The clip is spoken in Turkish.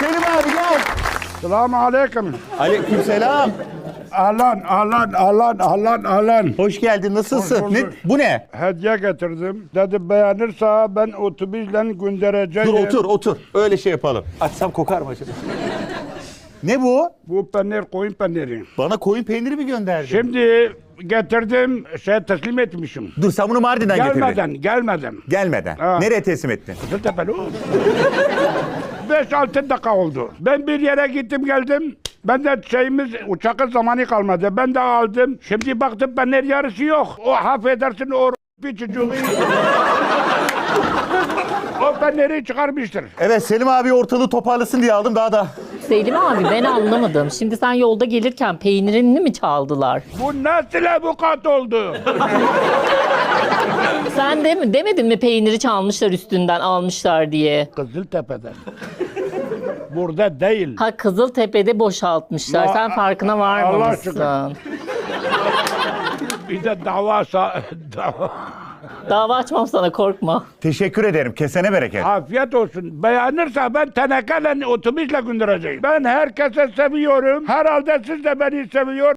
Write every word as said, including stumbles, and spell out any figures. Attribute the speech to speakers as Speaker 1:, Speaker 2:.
Speaker 1: Selim abi gel.
Speaker 2: Selamun aleyküm.
Speaker 1: Aleykümselam.
Speaker 2: Ahlan, ahlan, ahlan, ahlan, ahlan.
Speaker 1: Hoş geldin. Nasılsın?
Speaker 2: Hoş
Speaker 1: Ne,
Speaker 2: bulduk.
Speaker 1: bu ne?
Speaker 2: Hediye getirdim. Dedi beğenirse ben otobüsle göndereceğim.
Speaker 1: Dur otur otur. Öyle şey yapalım. Açsam kokar mı acaba? Ne bu?
Speaker 2: Bu peynir koyun peyniri.
Speaker 1: Bana koyun peyniri mi gönderdin?
Speaker 2: Şimdi getirdim, şey teslim etmişim.
Speaker 1: Dur sen bunu Mardin'den getirdin.
Speaker 2: Gelmeden, gelmeden.
Speaker 1: Gelmeden.
Speaker 2: Ha.
Speaker 1: Nereye teslim ettin?
Speaker 2: Kızıltepe'li o. beş altı dakika oldu. Ben bir yere gittim geldim. Ben de şeyimiz uçakın zamanı kalmadı. Ben de aldım. Şimdi baktım peynir yarısı yok. O affedersin o bir çocuğu. O peyniri çıkarmıştır.
Speaker 1: Evet Selim abi ortalığı toparlasın diye aldım daha da.
Speaker 3: Selim abi ben anlamadım. Şimdi sen yolda gelirken peynirini mi çaldılar?
Speaker 2: Bu nasıl avukat oldu?
Speaker 3: Sen de mi demedin mi peyniri çalmışlar üstünden almışlar diye?
Speaker 2: Kızıltepe'den. Burada değil.
Speaker 3: Ha Kızıltepe'de boşaltmışlar.
Speaker 2: Ya,
Speaker 3: Sen farkına
Speaker 2: Allah
Speaker 3: varmamışsın.
Speaker 2: aşkına. Bir de dava sa- dava.
Speaker 3: Dava açmam sana korkma.
Speaker 1: Teşekkür ederim. Kesene bereket.
Speaker 2: Afiyet olsun. Beğenirse ben tenekeyle otobüsle göndereceğim. Ben herkese seviyorum. Herhalde siz de beni seviyor.